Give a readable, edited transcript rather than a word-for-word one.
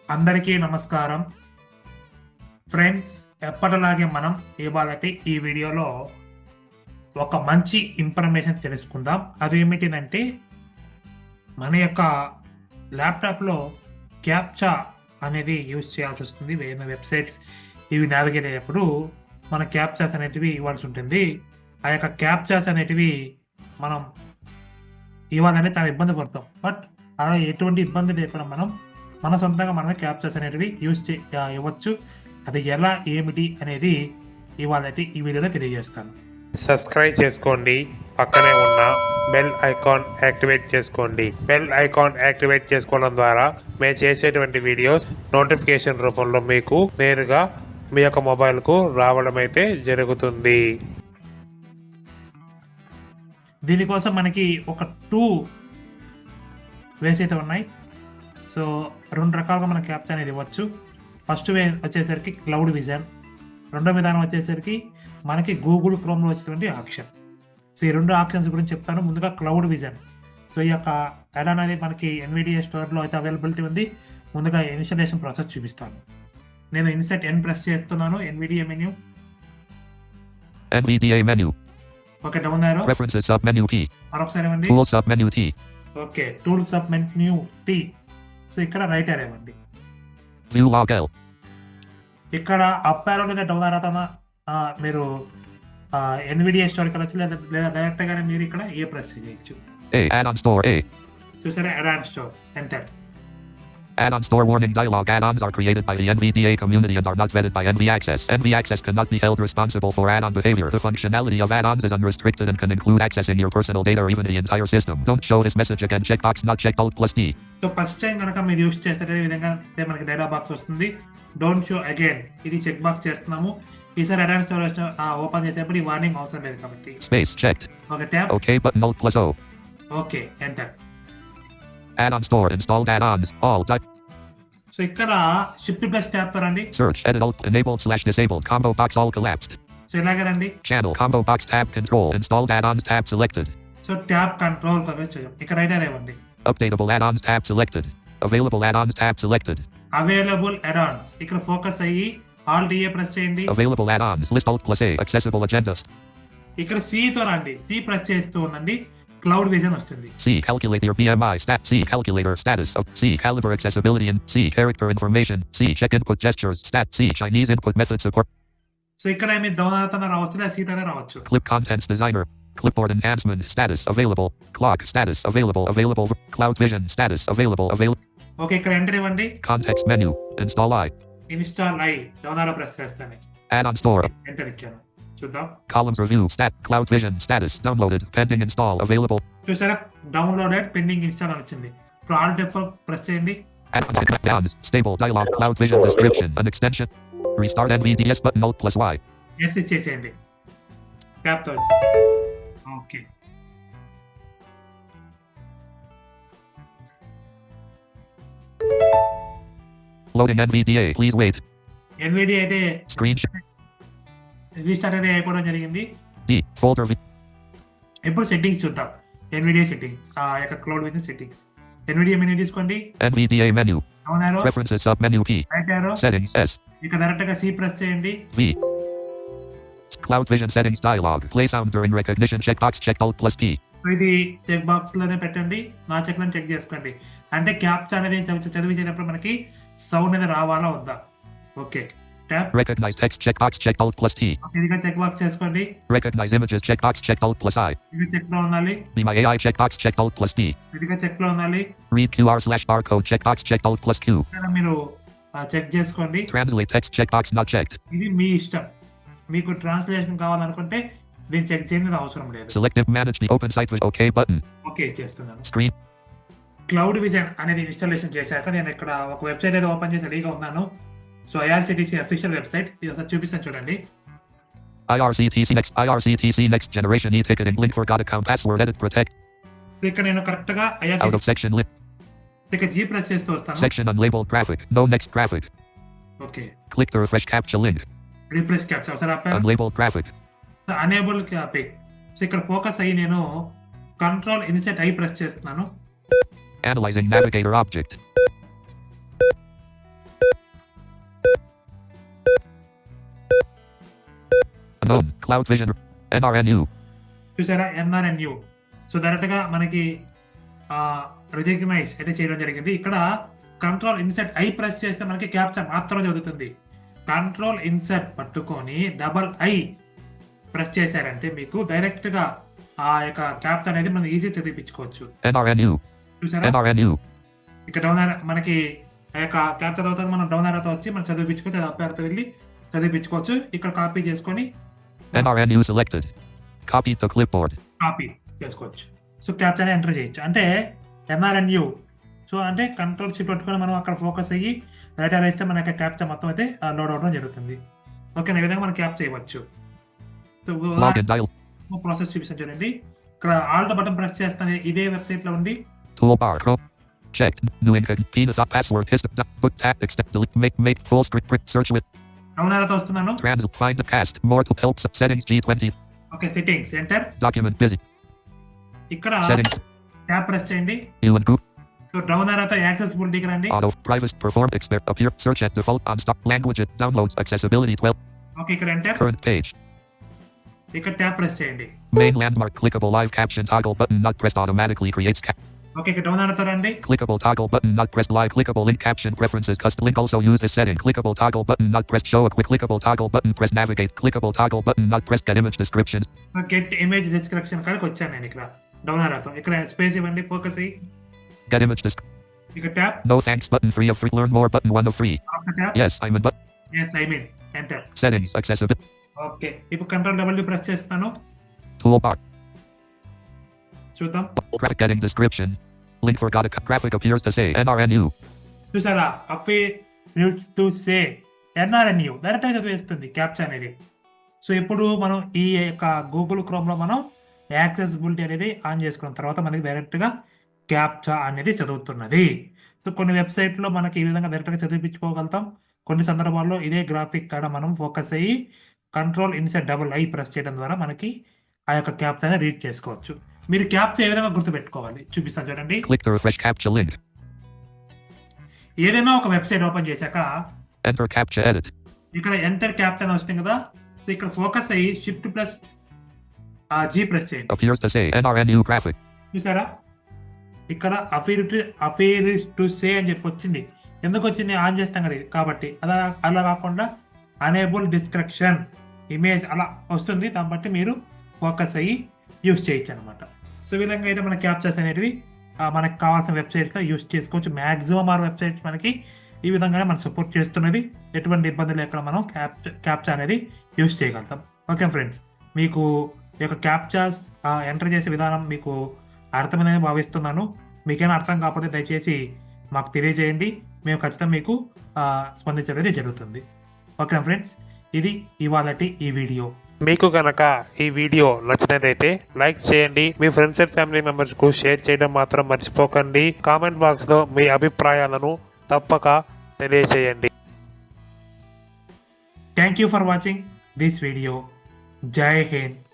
అందరికీ నమస్కారం ఫ్రెండ్స్. ఎప్పటిలాగే మనం ఇవాళటి ఈ వీడియోలో ఒక మంచి ఇన్ఫర్మేషన్ తెలుసుకుందాం. అది ఏమిటిదంటే మన యొక్క ల్యాప్టాప్లో క్యాప్చా అనేది యూజ్ చేయాల్సి వస్తుంది. వేరే వెబ్సైట్స్ ఇవి నావిగేట్ అయ్యేప్పుడు మన క్యాప్చాస్ అనేటివి ఇవ్వాల్సి ఉంటుంది. ఆ యొక్క క్యాప్చాస్ అనేటివి మనం ఇవ్వాలంటే చాలా ఇబ్బంది పడతాం. బట్ అలా ఎటువంటి ఇబ్బంది లేకుండా మనం మన సొంతంగా మనమే క్యాప్చర్స్ అనేటివి ఇవ్వచ్చు. అది ఎలా ఏమిటి అనేది ఇవాళ ఈ వీడియోలో తెలియజేస్తాను. సబ్స్క్రైబ్ చేసుకోండి, పక్కనే ఉన్న బెల్ ఐకాన్ యాక్టివేట్ చేసుకోండి. బెల్ ఐకాన్ యాక్టివేట్ చేసుకోవడం ద్వారా మేము చేసేటువంటి వీడియోస్ నోటిఫికేషన్ రూపంలో మీకు నేరుగా మీ యొక్క మొబైల్కు రావడం అయితే జరుగుతుంది. దీనికోసం మనకి ఒక 2 వేస్ అయితే ఉన్నాయి. సో 2 రకాలుగా మనం క్యాప్చా అనేది ఇవ్వచ్చు. ఫస్ట్ వే వచ్చేసరికి క్లౌడ్ విజన్, రెండో విధానం వచ్చేసరికి మనకి గూగుల్ క్రోమ్లో వచ్చేటువంటి ఆప్షన్. సో ఈ 2 ఆప్షన్స్ గురించి చెప్తాను. ముందుగా క్లౌడ్ విజన్. సో ఈ యొక్క యాడ్-ఆన్ అనేది మనకి ఎన్విడియా స్టోర్లో అయితే అవైలబిలిటీ ఉంది. ముందుగా ఇన్స్టాలేషన్ ప్రాసెస్ చూపిస్తాను. నేను ఇన్సర్ట్ ఎన్ ప్రెస్ చేస్తున్నాను. NVDA menu. NVDA menu. Okay, down arrow. Preferences sub menu P. మరొకసారి ఇవ్వండి. Tools sub menu T. Okay, tool sub menu T. So ఇక్కడ రైట్ యారో ఇవ్వండి. View log L. ఇక్కడ up arrow లేదా down arrow మీరు NVDA store ఇక్కడ వచ్చి లేదా డైరెక్ట్ గానే మీరు ఇక్కడ ఏ ప్రెస్ చేయొచ్చు. Add-on store A. చూసారా, add-on store, enter. Add-on store warning dialog. Add-ons are created by the NVDA community and are not vetted by NVAccess. NVAccess cannot be held responsible for add-on behavior. The functionality of add-ons is unrestricted and can include accessing your personal data or even the entire system. Don't show this message again. Checkbox not checked. Alt+D. So first time కనుక మీరు use చేస్తే ఈ విధంగా మనకి data box వస్తుంది. Don't show again, ఇది check box చేస్తున్నాము. ఈసారి యాడ్-ఆన్ స్టోర్ ఓపెన్ చేసేప్పుడు ఈ వార్నింగ్ అవసరం లేదు కాబట్టి Space checked. Okay, tap. OK button Alt+O. Okay, enter. Add-on store installed add-ons. All. So ఇక్కడ షిఫ్ట్ ప్లస్ ట్యాప్ తో రండి. Search edit alt enabled / disabled combo box all collapsed. So ఇలాగే రండి. Channel combo box tab control installed add-ons tab selected. So tap control చేయం. ఇక్కడ right arrow ఇవ్వండి. Updatable add-ons tab selected. Available add-ons tab selected. Available add-ons ఇక్కడ focus అయ్యి all DA press చేయండి. Available add-ons list Alt+A accessible agendas. ఇక్కడ C తో రండి. C press చేస్తూ ఉండండి. క్లౌడ్ విజన్ వస్తుంది. C calculate your BMI stat. C calculator status of C caliber accessibility and C character information. C check input gestures stat. C Chinese input method support. So ఇక్కడ మీరు down అవుతానే రావచ్చు లేదా seat అనే రావచ్చు. Clip contents designer. Clipboard enhancement status available. Clock status available. Available. Cloud vision status available. Available. Okay, ఇక్కడ enter ఇవ్వండి. Context menu. Install I. Install I down arrow press చేస్తాను. Add-on store. ఎంటర్ ఇచ్చాను. చూద్దాం. Columns review stat. Cloud vision status downloaded. Pending install available. చూసారా, downloaded pending install అని వచ్చింది. ఇప్పుడు all F4 press చేయండి. Add-ons stable dialog. Cloud vision description an extension. Restart NVDS button Alt+Y. Yes ఇచ్చేసేయండి tap తో. Okay, Loading NVDA. Please wait. NVDA అయితే Screen restart అనేది అయిపోవడం జరిగింది. D folder V. ఇప్పుడు సెట్టింగ్స్ చూద్దాం. ఎన్విడియా సెట్టింగ్స్, ఆ యొక్క cloud vision settings. NVDA menu తీసుకోండి. NVDA menu. Down arrow. Preferences sub menu P. Right arrow. Settings S. ఇక డైరెక్ట్ గా సి ప్రెస్ చేయండి. V. Cloud vision settings dialog. Play sound during recognition checkbox checked Alt+P. So ఇది check box లోనే పెట్టండి. నా check లో check చేసుకోండి. అంటే క్యాప్చా అనేది చదివించేటప్పుడు మనకి సౌండ్ అనేది రావాలా వద్దా. Okay, tap. Recognize text checkbox checked Alt+T. ఇదిగా చెక్ బాక్స్ చేసుకోండి. Recognize images checkbox checked Alt+I. ఇది చెక్ లో ఉండాలి. Be my AI checkbox checked Alt+P. ఇదిగా చెక్ లో ఉండాలి. Read QR/barcode checkbox checked Alt+Q. ఇక్కడ మీరు చెక్ చేసుకోండి. Translate text checkbox not checked. ఇది మీ ఇష్టం. మీకు ట్రాన్స్లేషన్ కావాలనుకుంటే దీన్ని చెక్ చేయడం అవసరం లేదు. Selective manage the open site with OK button. Okay చేస్తున్నాను. Screen. క్లౌడ్ విజన్ అనేది ఇన్స్టాలేషన్ చేశాక నేను ఇక్కడ ఒక వెబ్సైట్ అయితే ఓపెన్ చేసి రెడీగా ఉన్నాను. సో IRCTC అఫీషియల్ వెబ్సైట్ ఇది ఒకసారి చూపిస్తాను చూడండి. IRCTC next generation e-ticketing link forgot account password edit protect. ఇక్కడ నేను కరెక్ట్ గా Out of section list. ఇక్కడ G ప్రెస్ చేస్తూ వస్తాను. Section unlabeled graphic. No next graphic. ఓకే, Click the refresh captcha link. Refresh captcha ఒకసారి ఆపాను. Unlabeled graphic. అనేబుల్ క్యాపింగ్. సో ఇక్కడ ఫోకస్ అయ్యి నేను కంట్రోల్ ఇన్సెట్ ఐ ప్రెస్ చేస్తున్నాను. Analyzing navigator object. Known. Cloud Vision. NRNU. చూసారా NRNU. సో డైరెక్ట్గా మనకి రికగ్నైజ్ అయితే చేయడం జరిగింది. ఇక్కడ కంట్రోల్ ఇన్సెట్ ఐ ప్రెస్ చేస్తే మనకి క్యాప్చా మాత్రం చదువుతుంది. కంట్రోల్ ఇన్సెట్ పట్టుకొని డబల్ ఐ ప్రెస్ చేశారంటే మీకు డైరెక్ట్ గా ఆ యొక్క క్యాప్చా అనేది మనం ఈజీ చదివించుకోవచ్చు. NRNU. చూసారా NRNU. ఇక్కడ డౌన్ మనకి ఆ యొక్క క్యాప్చా చదువుతుంది, మనం డౌన్ ఆరోతో వచ్చి మనం చదివించుకోవచ్చు, అప్పారితో వెళ్ళి చదివించుకోవచ్చు. ఇక్కడ కాపీ చేసుకొని NRNU selected. Copy to clipboard. Copy చేసుకోవచ్చు. సో క్యాప్చాని ఎంటర్ చేయొచ్చు. అంటే NRNU. సో అంటే కంట్రోల్ షిఫ్ట్ పెట్టుకొని మనం అక్కడ ఫోకస్ అయ్యి రైట్ ఆర్ వేస్తే మన యొక్క క్యాప్చా మొత్తం అయితే లోడ్ అవడం జరుగుతుంది. ఓకే, ఈ విధంగా మనం క్యాప్ చేయవచ్చు. Login dial. ప్రాసెస్ చూపిస్తాను చూడండి. ఇక్కడ ఆల్ట్ బటన్ ప్రెస్ చేస్తాను, ఇదే వెబ్సైట్ లో ఉంది. Toolbar. Chrome. Checked. New incognito password. Book tap. Extend. Delete. Make full script. Search with. Down ఆరోతో వస్తున్నాను. Find the cast. More to help. Settings. G20. Okay, settings enter. Document busy. ఇక్కడ Settings. Tap press చేయండి. Ewan group. So down ఆరోతో యాక్సెసిబిలిటీకి రండి. Auto. Privacy. Perform. Expert. Appear. Search at default. On stock. Language. Downloads. Accessibility 12. Okay, ఇక్కడ enter. Current page. ఇక్కడ tap press చేయండి. Main landmark. Clickable live caption toggle button not pressed automatically creates okay, ఇక్కడ down ఆరోతో రండి. clickable toggle button not pressed live. Clickable link caption preferences. Custom link also use this setting. Clickable toggle button not pressed. Show a quick. Clickable toggle button press navigate. Clickable toggle button not pressed. Get image description. Get image description కాడికి వచ్చాను నేను. ఇక్కడ down ఆరోతో ఇక్కడ space ఇవ్వండి, focus అయ్యి Get image ఇక్కడ tap. No thanks button 3 of 3. Learn more button 1 of 3. Tap. Yes, I'm in but yes I mean enter. settings accessibility. Okay, ఇప్పుడు control W press చేస్తాను. Toolbar. చూద్దాం. Graphic getting description. Link forgot a graphic appears to say NRNU. చూసారా, appears to say NRNU direct గా చదివేస్తుంది captcha అనేది. So ఇప్పుడు మనం ఈ యొక్క గూగుల్ క్రోమ్ లో మనం యాక్సెసిబిలిటీ అనేది ఆన్ చేసుకున్న తర్వాత మనకి డైరెక్ట్ గా క్యాప్చా అనేది చదువుతున్నది. సో కొన్ని వెబ్సైట్ లో మనకి ఈ విధంగా డైరెక్ట్ గా చదివించుకోగలుగుతాం. కొన్ని సందర్భాల్లో ఇదే గ్రాఫిక్ కాడ మనం ఫోకస్ అయ్యి control insert double I press చేయడం ద్వారా మనకి ఆ యొక్క క్యాప్చాని రీడ్ చేసుకోవచ్చు. మీరు క్యాప్చా ఏ విధంగా గుర్తుపెట్టుకోవాలి చూపిస్తాను చూడండి. Click the refresh captcha link. ఏదైనా ఒక వెబ్సైట్ ఓపెన్ చేశాక Enter captcha edit. ఇక్కడ ఎంటర్ క్యాప్చా అని వస్తుంది కదా. సో ఇక్కడ ఫోకస్ అయ్యి షిఫ్ట్ ప్లస్ జీ ప్రెస్ చేయండి. Appears to say NRNU graphic. చూసారా, ఇక్కడ అఫీర్స్ టు సే అని చెప్పి వచ్చింది. ఎందుకు వచ్చింది? ఆన్ చేస్తాం కదా కాబట్టి. అలా కాకుండా అనేబుల్ డిస్క్రిప్షన్ ఇమేజ్ అలా వస్తుంది. దాన్ని బట్టి మీరు ఫోకస్ అయ్యి యూస్ చేయొచ్చు అనమాట. సో ఈ విధంగా అయితే మన క్యాప్చర్స్ అనేటివి మనకు కావాల్సిన వెబ్సైట్స్లో యూస్ చేసుకోవచ్చు. మ్యాక్సిమం ఆర్ వెబ్సైట్స్ మనకి ఈ విధంగానే మనం సపోర్ట్ చేస్తున్నది. ఎటువంటి ఇబ్బంది లేకుండా మనం క్యాప్చా అనేది యూస్ చేయగలుగుతాం. ఓకే ఫ్రెండ్స్, మీకు ఈ యొక్క క్యాప్చాస్ ఎంటర్ చేసే విధానం మీకు అర్థమైందని భావిస్తున్నాను. మీకైనా అర్థం కాకపోతే దయచేసి మాకు తెలియజేయండి. మేము ఖచ్చితంగా మీకు స్పందించడం జరుగుతుంది. ఓకే ఫ్రెండ్స్, ఇది ఇవాళటి ఈ వీడియో. మీకు కనుక ఈ వీడియో నచ్చినట్లయితే లైక్ చేయండి. మీ ఫ్రెండ్స్ అండ్ ఫ్యామిలీ మెంబర్స్ కు షేర్ చేయడం మాత్రం మర్చిపోకండి. కామెంట్ బాక్స్ లో మీ అభిప్రాయాలను తప్పక తెలియజేయండి. Thank you for watching this video. జై హింద్.